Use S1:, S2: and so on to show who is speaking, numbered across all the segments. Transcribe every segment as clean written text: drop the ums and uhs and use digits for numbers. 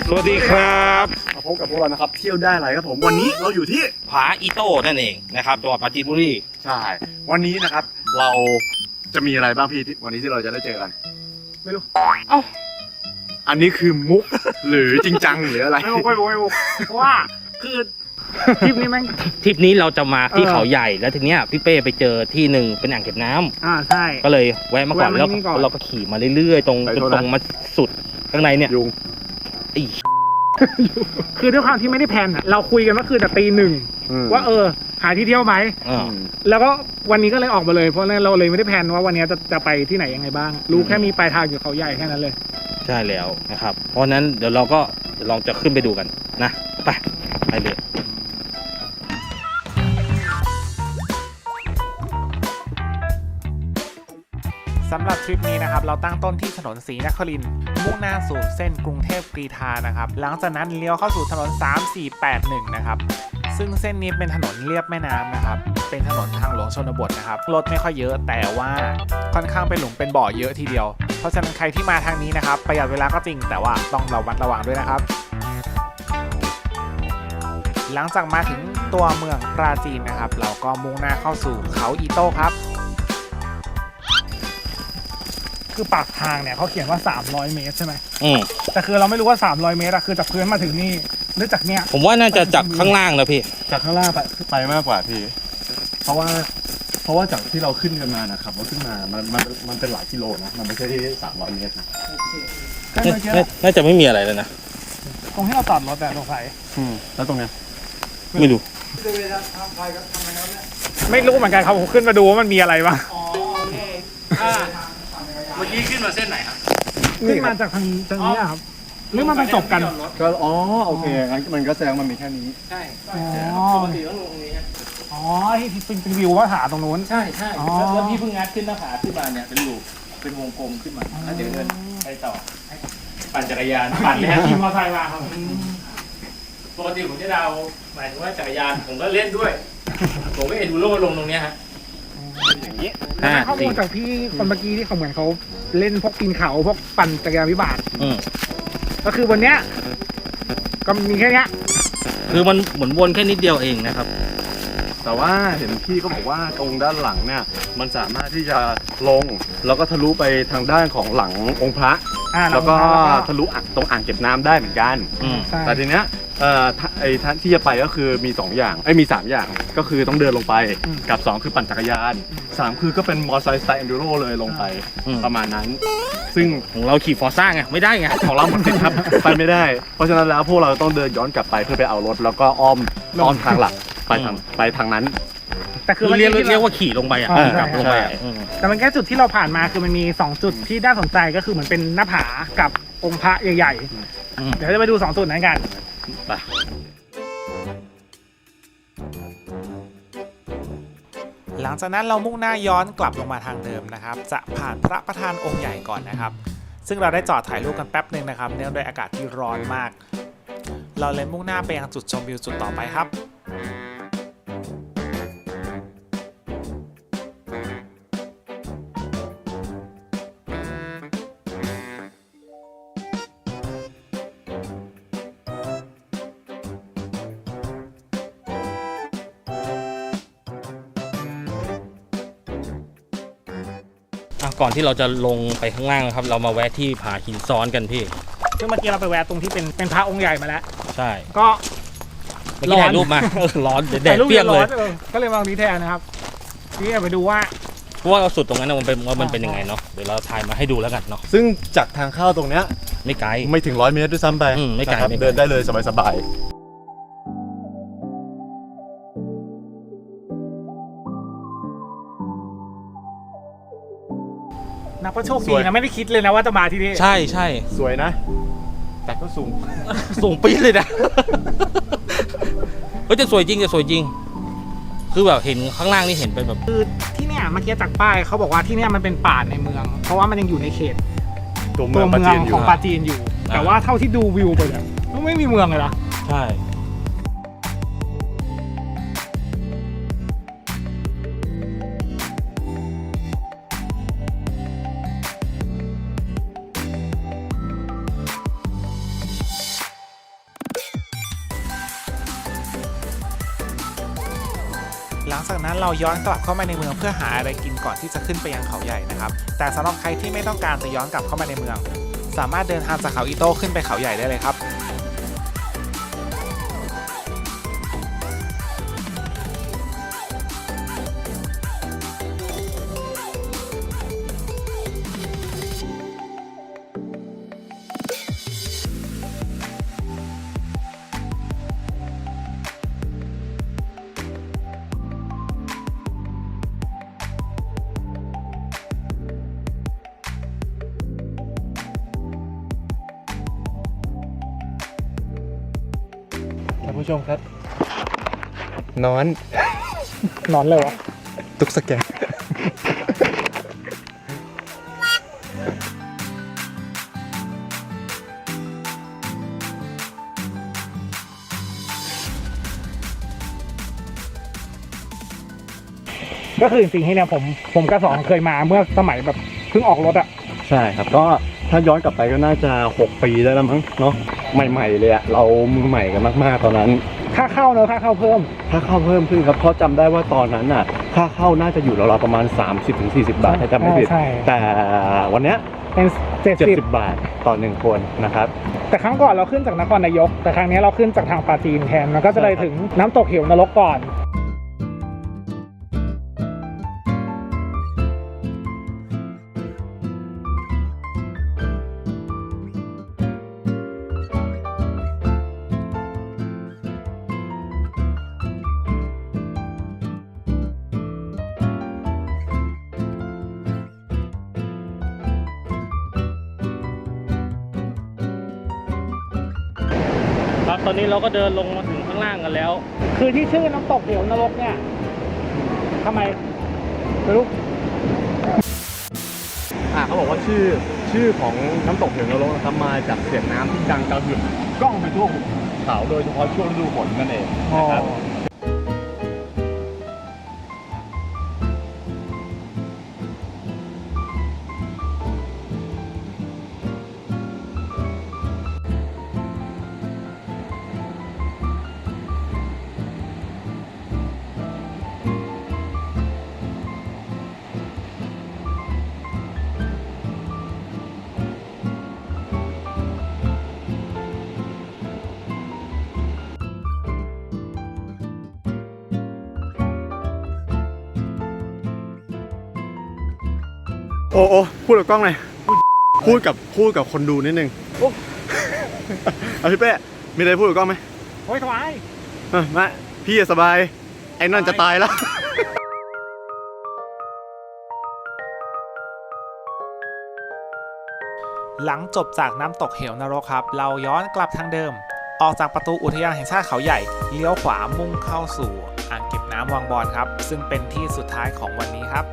S1: สวัสดีครับ
S2: มาพบกับพวกเรานะครับเที่ยวได้ไรครับผมวันนี้เราอยู่ที่
S1: ผาอีโต้นั่นเองนะครับจังหวัดปราจีนบุรี
S2: ใช่วันนี้นะครับเราจะมีอะไรบ้างพี่วันนี้ที่เราจะได้เจอกันไม่รู้
S1: เอ้า
S2: อันนี้คือมุกหรือจริงจังหรืออะไร
S3: ไม่มุกเพราะว่าคือทริปนี้เราจะมาที่เขาใหญ่แล้วทีเนี้ยพี่เป้ไปเจอที่หนึ่งเป็นอ่างเก็บน้ำใช่ก็เลยแวะมาก่อนแล้วเราก็ขี่มาเรื่อยๆตรงมาสุดข้างในเนี่ย
S2: ยุง
S3: คือด้วยความที่ไม่ได้แพลนอ่ะเราคุยกันว่าคือแต่ตีหนึ่งว่าหาที่เที่ยวไหมแล้วก็วันนี้ก็เลยออกมาเลยเพราะเราเลยไม่ได้แพลนว่าวันนี้จะไปที่ไหนยังไงบ้างรู้แค่มีปลายทางอยู่เขาใหญ่แค่นั้นเลย
S1: ใช่แล้วนะครับเพราะนั้นเดี๋ยวเราก็ลองจะขึ้นไปดูกันนะไปเลย
S3: สำหรับทริปนี้นะครับเราตั้งต้นที่ถนนศรีนครินทร์มุ่งหน้าสู่เส้นกรุงเทพกรีฑานะครับหลังจากนั้นเลี้ยวเข้าสู่ถนน3481นะครับซึ่งเส้นนี้เป็นถนนเลียบแม่น้ำนะครับเป็นถนนทางหลวงชนบทนะครับรถไม่ค่อยเยอะแต่ว่าค่อนข้างเป็นหลุมเป็นบ่อเยอะทีเดียวเพราะฉะนั้นใครที่มาทางนี้นะครับประหยัดเวลาก็จริงแต่ว่าต้องระมัดระวังด้วยนะครับหลังจากมาถึงตัวเมืองปราจีนนะครับเราก็มุ่งหน้าเข้าสู่เขาอีโต้ครับคือปากทางเนี่ยเขาเขียนว่า300เมตรใช่ไหมแต่คือเราไม่รู้ว่า300เมตรอะคือจากพื้นมาถึงนี่หรือจากเนี้ย
S1: ผมว่าน่าจะจากข้างล่างนะพี่
S2: จากข้างล่างไปมากกว่าพี่เพราะว่าจากที่เราขึ้นกันมานะครับเราขึ้นมามันเป็นหลายกิโลนะมันไม่ใช่ที่300เมตรนะ
S1: น่าจะไม่มีอะไรแล้วนะ
S3: ตรงที่เราจอดรถแต่ตรงไหน
S2: แล้วตรงเนี้ย
S1: ไม่รู้
S3: ไม่รู้เหมือนกันครับผมขึ้นมาดูว่ามันมีอะไรบ้าง
S1: เมื่อกี้ขึ้นมาเส้นไหนครับ
S3: ขึ้นมาจากทางนี้ครับหรือมันจบกัน
S2: ก็โอเคงั้นมันก็แสดงมันมีแค่นี้
S1: ใช่ปกติต้องลงตรงนี้
S3: ที่เป็นวิวว่าผาตรงนู้น
S1: ใช่แล้วพี่เพิ่งงัดขึ้นหน้าผาขึ้นมาเนี่ยเป็นลูกเป็นวงกลมขึ้นมาแล้วเดี๋ยวเดินไปต่อปั่นจักรยาน
S3: ปั่นเลยขี่มอเตอร์ไซค์มาครับ
S1: ปกติผมจะเดาหมายถึงว่าจักรยานผมก็เล่นด้วยผมก็เอ็นดูโร่ลงตรงนี้ฮะ
S3: อย่างนี้ข้อมูลจากพี่คนเมื่อกี้ที่เขาเหมือนเขาเล่นพวกปีนเขาพวกปั่นจักรยานวิบากก็คือวันเนี้ยก็มีแค่นี้
S1: คือมันหมุนวนแค่นิดเดียวเองนะครับ
S2: แต่ว่าเห็นพี่ก็บอกว่าตรงด้านหลังเนี่ยมันสามารถที่จะลงแล้วก็ทะลุไปทางด้านของหลังองค์พระแล้วก็ทะลุตรงอ่างเก็บน้ำได้เหมือนกันแต่ทีเนี้ยท่านที่จะไปก็คือมี2อย่างมี3อย่างก็คือต้องเดินลงไปกับ2คือปั่นจักรยาน3คือก็เป็นมอเตอร์ไซค์สไตล์เอนดูโรเลยลงไปประมาณนั้นซึ่ง
S1: ของเราขี่ฟอร์ซ่าไงไม่ได้ไง
S2: ของเราหมดสิทธิ์ครับไปไม่ได้เพราะฉะนั้นแล้วพวกเราต้องเดินย้อนกลับไปเพื่อไปเอารถแล้วก็อ้อมทางหลักไปทางนั้น
S1: แต่คือเรียกว่าขี่ลงไปกลับลงไป
S3: แต่มันแค่จุดที่เราผ่านมาคือมันมี2จุดที่น่าสนใจก็คือเหมือนเป็นหน้าผากับองค์พระใหญ่ๆเดี๋ยวจะไปดู2จุดนั้นกันหลังจากนั้นเรามุ่งหน้าย้อนกลับลงมาทางเดิมนะครับจะผ่านพระประธานองค์ใหญ่ก่อนนะครับซึ่งเราได้จอดถ่ายรูปกันแป๊บหนึ่งนะครับเนื่องด้วยอากาศที่ร้อนมากเราเลยมุ่งหน้าไปยังจุดชมวิวจุดต่อไปครับ
S1: ก่อนที่เราจะลงไปข้างล่างนะครับเรามาแวะที่ผาหินซ้อนกันพี่
S3: ซึ่งเมื่อกี้เราไปแวะตรงที่เป็นพระองค์ใหญ่มาแล้ว
S1: ใช่
S3: ก็
S1: เมื่อกี้ถ่ายรูปมาร้อนแดดเปรี้ยงเลย
S3: ก็เลยมาตรงนี้แทนนะครับนี่ไปดูว่า
S1: เราสุดตรงนั้นมันเป็นยังไงเนาะเดี๋ยวเราถ่ายมาให้ดูแล้วกันเนาะ
S2: ซึ่งจากทางเข้าตรงเนี้ย
S1: ไม่ไกล
S2: ไม่ถึง100 เมตรด้วยซ้ำไป
S1: ไม่ไกล
S2: เดินได้เลยสบาย
S3: นับว่าโชคดีนะไม่ได้คิดเลยนะว่าจะมาที่นี่
S1: ใช่
S2: สวยนะแต่ก็
S1: สูงปี๊ดเลยนะจะสวยจริงคือแบบเห็นข้างล่างนี่เห็นเป็นแบบ
S3: คือที่เนี่ยเมื่อกี้จากป้ายเขาบอกว่าที่เนี่ยมันเป็นป่าในเมืองเพราะว่ามันยังอยู่ในเขตตัวเมืองของปราจีนอยู่แต่ว่าเท่าที่ดูวิวไปเนี่ยไม่มีเมืองเลยนะ
S1: ใช่
S3: หลังจากนั้นเราย้อนกลับเข้ามาในเมืองเพื่อหาอะไรกินก่อนที่จะขึ้นไปยังเขาใหญ่นะครับแต่สำหรับใครที่ไม่ต้องการจะย้อนกลับเข้ามาในเมืองสามารถเดินทางจากเขาอิโต้ขึ้นไปเขาใหญ่ได้เลยครับ
S2: ท่านผู้ชมครับนอน
S3: นอนเลยวะ
S2: ตุกสแกน
S3: ก็คือจริงๆที่เนี่ยผมกับสองเคยมาเมื่อสมัยแบบเพิ่งออกรถอะ
S2: ใช่ครับก็ถ้าย้อนกลับไปก็น่าจะ6 ปีได้แล้วมั้งเนาะใหม่ๆเลยอะเรามือใหม่กันมากๆตอนนั้น
S3: ค่าเข้าเนอะค่าเข้าเพิ่ม
S2: ค่าเข้าเพิ่มขึ้นครับเพราะจำได้ว่าตอนนั้นน่ะค่าเข้าน่าจะอยู่ราวๆประมาณ 30-40 บาทถ้าจำไม่ผิด
S3: ใช่
S2: แต่วันเนี้ย
S3: เป็น70
S2: 70 บาทต่อ1คนนะครับ
S3: แต่ครั้งก่อนเราขึ้นจากนครนายกแต่ครั้งนี้เราขึ้นจากทางปราจีนแทนมันก็จะเลยถึงน้ำตกเหวนรกก่อน
S1: ครับตอนนี้เราก็เดินลงมาถึงข้างล่างกันแล้ว
S3: คือที่ชื่อน้ำตกเหวนรกเนี่ยทำไมไม่รู้
S2: เขาบอกว่าชื่อของน้ำตกเหวนรกนะครับมาจากเสียงน้ำที่ดังกระหึ่มก้องไปทั่วหุบเขาโดยเฉพาะช่วงฤดูฝนนั่นเองนะครับ โอ้พูดกับกล้องหน่อยพูดกับคนดูนิดนึงเอาพี่เป้มีอะไรพูดกับกล้องไหม
S3: โอ้ยสบาย
S2: มาพี่สบายไอ้นั่นจะตายแล้ว
S3: หลังจบจากน้ำตกเหวนรกครับเราย้อนกลับทางเดิมออกจากประตูอุทยานแห่งชาติเขาใหญ่เลี้ยวขวามุ่งเข้าสู่อ่างเก็บน้ำวังบอนครับซึ่งเป็นที่สุดท้ายของวันนี้ครับ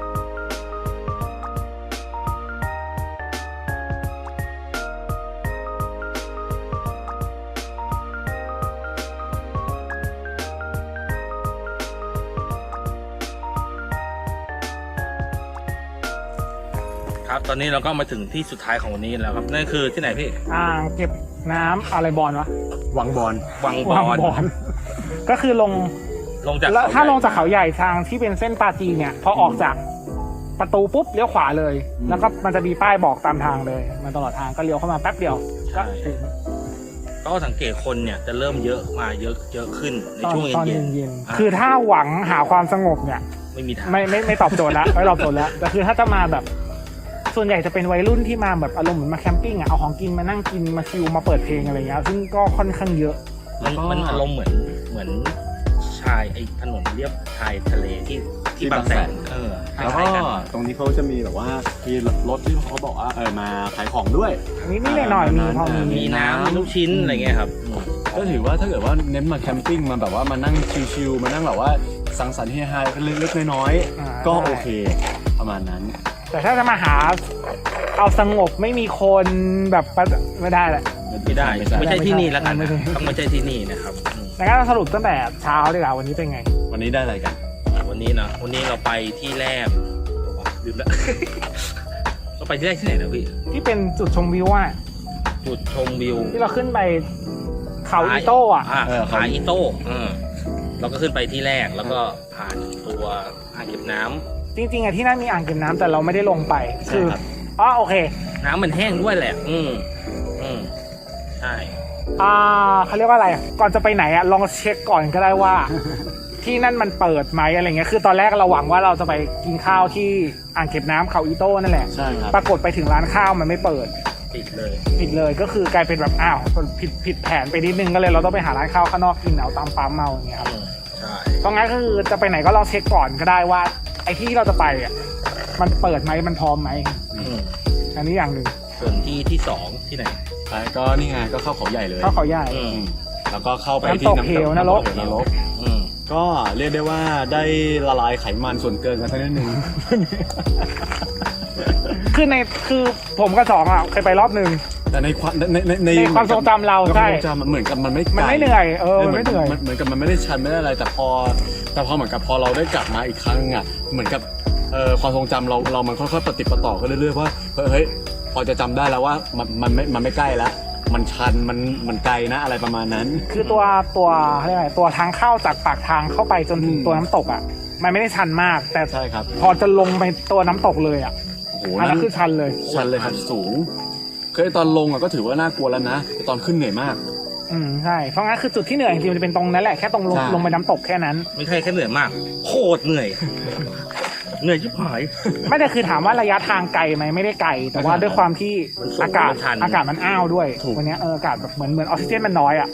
S1: ครับตอนนี้เราก็มาถึงที่สุดท้ายของวันนี้แล้วครับนั่นคือที่ไหนพี่
S3: อ่างเก็บน้ำอะไรบอลวะ
S2: วังบอล
S1: วังบ
S3: วัง
S1: อน
S3: บอลก็คือลง
S1: จาก
S3: แล้ว
S1: เข
S3: ถ้าลง
S1: ใหญ่
S3: จากเขาใหญ่ทางที่เป็นเส้นปราจีนเนี่ยพอออกจากประตูปุ๊บเลี้ยวขวาเลย แล้วก็มันจะมีป้ายบอกตามทางเลยมาตลอดทางก็เลี้ยวเข้ามาแป๊บเดียวก็ถึง
S1: ก็สังเกตคนเนี่ยจะเริ่มเยอะมาเยอะขึ้นใน
S3: ตอน
S1: ช่วง
S3: ตอน
S1: เย็น
S3: เย็น
S1: ๆ
S3: ๆคือถ้าหวังหาความสงบเนี่ย
S1: ไม่มีทาง
S3: ไม่ตอบโจทย์แล้วไม่ตอบโจทย์แล้วแต่คือถ้าจะมาแบบส่วนใหญ่จะเป็นวัยรุ่นที่มาแบบอารมณ์เหมือนมาแคมปิ้งอ่ะเอาของกินมานั่งกินมาชิลมาเปิดเพลงอะไรเงี้ยซึ่งก็ค่อนข้างเยอะ
S1: มันอารมณ์เหมือนชายไอ้ถนนเรียบชายทะเลที่บางแสนค
S2: แล้วก็
S1: ล้ายๆกัน
S2: ตรงนี้เขาจะมีแบบว่ามีรถที่เขาบอกว่ามาขายของด้วย
S3: นิดๆหน่อยๆมีพอ
S1: มีน้ำมีลูกชิ้นอะไรเงี้ยครับ
S2: ก็ถือว่าถ้าเกิดว่าเน้นมาแคมปิ้งมาแบบว่ามานั่งชิลๆมานั่งแบบว่าสังสรรค์เฮฮากันเล็กๆน้อยๆก็โอเคประมาณนั้น
S3: แต่ถ้าจะมาหาเอาสงบไม่มีคนแบบไม่ได้แหละ
S1: ไม่ได้ไม่ใช่ที่นี่แล้วกัน
S3: ไม่
S1: นะ
S3: ใช่
S1: ต้องไม่ใช่ที่นี่นะครับอืม
S3: แล้วก็สรุปตั้งแต่เช้าดีกว่าวันนี้เป็นไง
S2: วันนี้ได้อะไรกัน
S1: วันนี้เราไปที่แรกลืมแล้ว เราไปที่แรกที่ไหนนะพี่
S3: ที่เป็นจุดชมวิวอ่ะ
S1: จุดชมวิว
S3: ที่เราขึ้นไปเขาอีโต้อ่ะ
S1: ขาอีโต้เราก็ขึ้นไปที่แรกแล้วก็ผ่านตัวอ่างเก็บน้ำ
S3: จริงๆอะที่นั่นมีอ่างเก็บน้ำแต่เราไม่ได้ลงไป
S2: ใช่
S3: คือ
S2: ครับ
S3: อ๋อโอเค
S1: น้ำมันแห้งด้วยแหละใช่
S3: เขาเรียกว่าอะไรอะก่อนจะไปไหนอะลองเช็คก่อนก็ได้ว่า ที่นั่นมันเปิดไหมอะไรเงี้ยคือตอนแรกเราหวังว่าเราจะไปกินข้าวที่อ่างเก็บน้ำเขาอีโต้นั่นแหละ
S2: ใช่ครับ
S3: ปรากฏไปถึงร้านข้าวมันไม่เปิด
S1: ปิดเลย
S3: ผิดเลยก็คือกลายเป็นแบบอ้าวผิดแผนไปนิดนึงก็เลยเราต้องไปหาร้านข้าวข้างนอกกินเอาตามปั๊มเอาอย่างเงี้ยครับ
S1: ใช่
S3: เพราะงั้นก็คือจะไปไหนก็ลองเช็คก่อนก็ได้ว่าไอ้ที่เราจะไปอ่ะมันเปิดไหมมันพร้อมไหมอันนี้อย่างหนึ่ง
S1: ส่วนที่สองที่ไหน
S2: ใช่ก็นี่ไงก็เข้าเขาใหญ่เลย
S3: ข้าวเขาใหญ่
S2: แล้วก็เข้าไปที่
S3: น้ำตกเหวนรก
S2: ำตกเหวนรกก็เรียกได้ว่าได้ละลายไขมันส่วนเกินกันสักนิดนึง
S3: คือผมกับสองอ่ะเคยไปรอบหนึ่ง
S2: แต่ในความใน
S3: ในความทรงจำเราใช่
S2: ความทรงจำมันเหมือนกับมันไม่ไกล
S3: มันไม่เหนื่อยมันไม่เหนื่อย
S2: เหมือนกับมันไม่ได้ชันไม่ได้อะไรแต่พอเหมือนกับพอเราได้กลับมาอีกครั้งอ่ะเหมือนกับความทรงจำเรามันค่อยๆปฏิปต่อกันเรื่อยๆว่าเฮ้ยพอจะจำได้แล้วว่ามันไม่ใกล้แล้วมันชันมันไกลนะอะไรประมาณนั้น
S3: คือตัวเรียกอะไรตัวทางเข้าจากปากทางเข้าไปจนถึงตัวน้ำตกอ่ะมันไม่ได้ชันมากแต่
S2: ใช่ครับ
S3: พอจะลงไปตัวน้ำตกเลยอ่ะ
S2: โอ้โห
S3: อันนั้นคือชันเลย
S2: ชันเลยครับสูงคือตอนลงอ่ะก็ถือว่าน่ากลัวแล้วนะแต่ตอนขึ้นเหนื่อยมาก
S3: ใช่เพราะงั้นคือจุดที่เหนื่อยจริงๆมันจะเป็นตรงนั้นแหละแค่ตรง
S2: ใช่
S3: ลงไปน้ำตกแค่นั้น
S1: ไม่ใช่แค่เหนื่อยมากโคตรเหนื่อย เหนื่อยชิบหาย
S3: ไม่ได้คือถามว่าระยะทางไกลไหมไม่ได้ไกลแต่ว่าด้วยความที่
S1: มันสูง
S3: อากาศ
S1: มันชัน
S3: อากาศมันอ้าวด้วยวันนี้อากาศแบบเหมือนออกซิเจนมันน้อยอ่ะ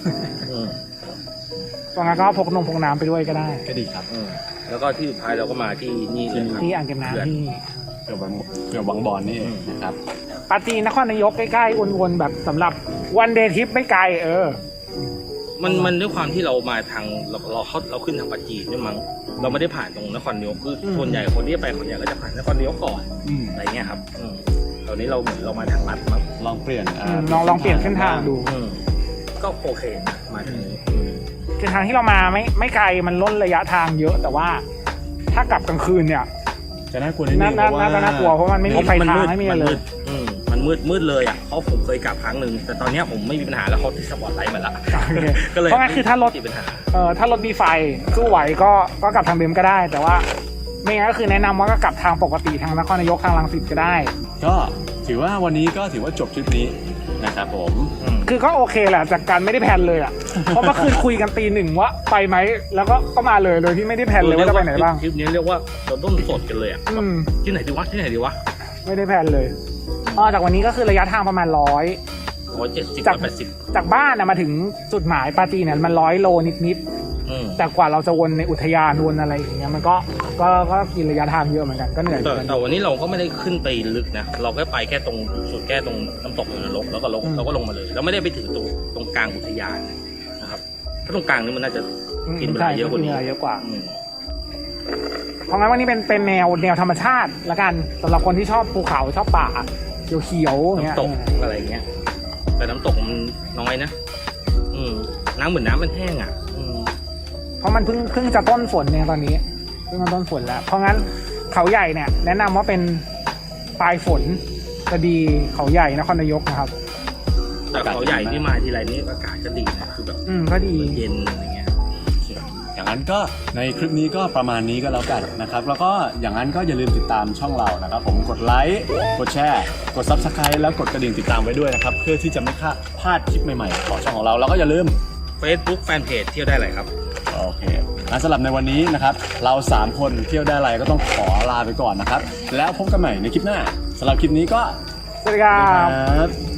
S3: ตรงนั้นก็พกน้ำไปด้วยก็ได้
S2: ก็ดีครับ
S1: แล้วก็ที่สุดท้ายเราก็มาที่นี่เลยครับ
S3: ที่อ่างเก็บน้ำที่
S2: เกือบวังบอลนี่เองนะครับ
S3: ปาจีนนครนายกใกล้ๆวนๆแบบสำหรับวันเดย์ทริปไม่ไกล
S1: มันด้วยความที่เรามาทางเราขึ้นทางปัจจีนด้วยมั้งเราไม่ได้ผ่านตรงนครนายกคือส่วนใหญ่คนที่ไปคนใหญ่ก็จะผ่านนครนายกก่อนอะไรเงี้ยครับตอนนี้เราเหมือนเรามาทางลัดมั้ง
S2: ลองเปลี่ยน
S3: ลองเปลี่ยนเส้นทางดู
S1: ก็โอเคนะมาทางนี้
S3: คือทางที่เรามาไม่ไกลมันล้นระยะทางเยอะแต่ว่าถ้ากลับกลางคืนเนี่ย
S2: จะน่ากลัวนิดนึงเพราะว่า
S3: น่ากลัวเพราะมันไม่มีไฟทางไม่มีอะไรเลย
S1: มันมืดเลยอ่ะเพราะผมเคยกลับครั้งหนึ่งแต่ตอนนี้ผมไม่มีปัญหาแล้วเขาติดสปอตไลท์มาละก็เลย
S3: เพราะงั้นคือถ้ารถ
S1: ติดปัญหา
S3: ถ้ารถมีไฟสู้ไหวก็กลับทางเดิมก็ได้ แต่ว่าไม่งั้นก็คือแนะนำว่าก็กลับทางปกติทางนครนายกทางรังสิตก็ได้
S2: ก็ถือว่าวันนี้ก็ถือว่าจบทริปนี้นะครับผม
S3: คือก็โอเคแหละจากการไม่ได้แพลนเลยอ่ะ เพราะเมื่อคืนคุยกันตีหนึ่งว่าไปไหมแล้วก็มาเลยโดยที่ไม่ได้แพลนเลยว่าจะไปไหนบ้าง
S1: ทริปนี้เรียกว่าเราต้นสดกันเลยอ่ะที่ไหนดีวะ
S3: ไม่ได้แพลนเลยจากวันนี้ก็คือระยะทางประมาณ
S1: 170 180
S3: จากบ้านมาถึงจุดหมายปาจีนเนี่ยมัน100 โลนิดแต่กว่าเราจะวนในอุทยานวนอะไรอย่างเงี้ยมันก็กินระยะทางเยอะเหมือนกันก็เหนื่อย
S1: แต่วันนี้เราก็ไม่ได้ขึ้นไปลึกนะเราแค่ไปแค่ตรงสุดแค่ตรงน้ำตกนรกแล้วก็ลงมาเลยเราไม่ได้ไปถึงตรงกลางอุทยานนะครับถ้าตรงกลางนี่มันน่าจะกินเวลาเยอะกว่านี้
S3: เยอะกว่าเพราะงั้นวันนี้เป็นแนวธรรมชาติละกันสำหรับคนที่ชอบภูเขาชอบป่าเขียวๆเงี้ย
S1: น้ำตกอะไรเงี้ยแต่น้ำตกมันน้อยนะน้ำเหมือนน้ำมันแห้งอ่ะ
S3: เพราะมันเพิ่งจะต้นฝนเนี่ยตอนนี้เพิ่งมาต้นฝนแล้วเพราะงั้นเขาใหญ่เนี่ยแนะนำว่าเป็นปลายฝนจะดีเขาใหญ่นครนายกนะครับ
S1: แต่เขาใหญ่ที่มาทีไรนี่อากาศก็ดีนะคือแบบ
S3: ก็ดี
S1: เย็นอะไรเงี้ย
S2: อย่างนั้นก็ในคลิปนี้ก็ประมาณนี้ก็แล้วกันนะครับแล้วก็อย่างนั้นก็อย่าลืมติดตามช่องเรานะครับผมกดไลค์กดแชร์กด Subscribe แล้วกดกระดิ่งติดตามไว้ด้วยนะครับเพื่อที่จะไม่พลาดคลิปใหม่ๆของช่องของเราแล้วก็อย่าลืม
S1: Facebook Fanpage เที่ยวได้เลยครับ
S2: โอเคงั้นสำหรับในวันนี้นะครับเรา3คนเที่ยวได้ไรก็ต้องขอลาไปก่อนนะครับแล้วพบกันใหม่ในคลิปหน้าสำหรับคลิปนี้ก็
S3: สวัสดีครับ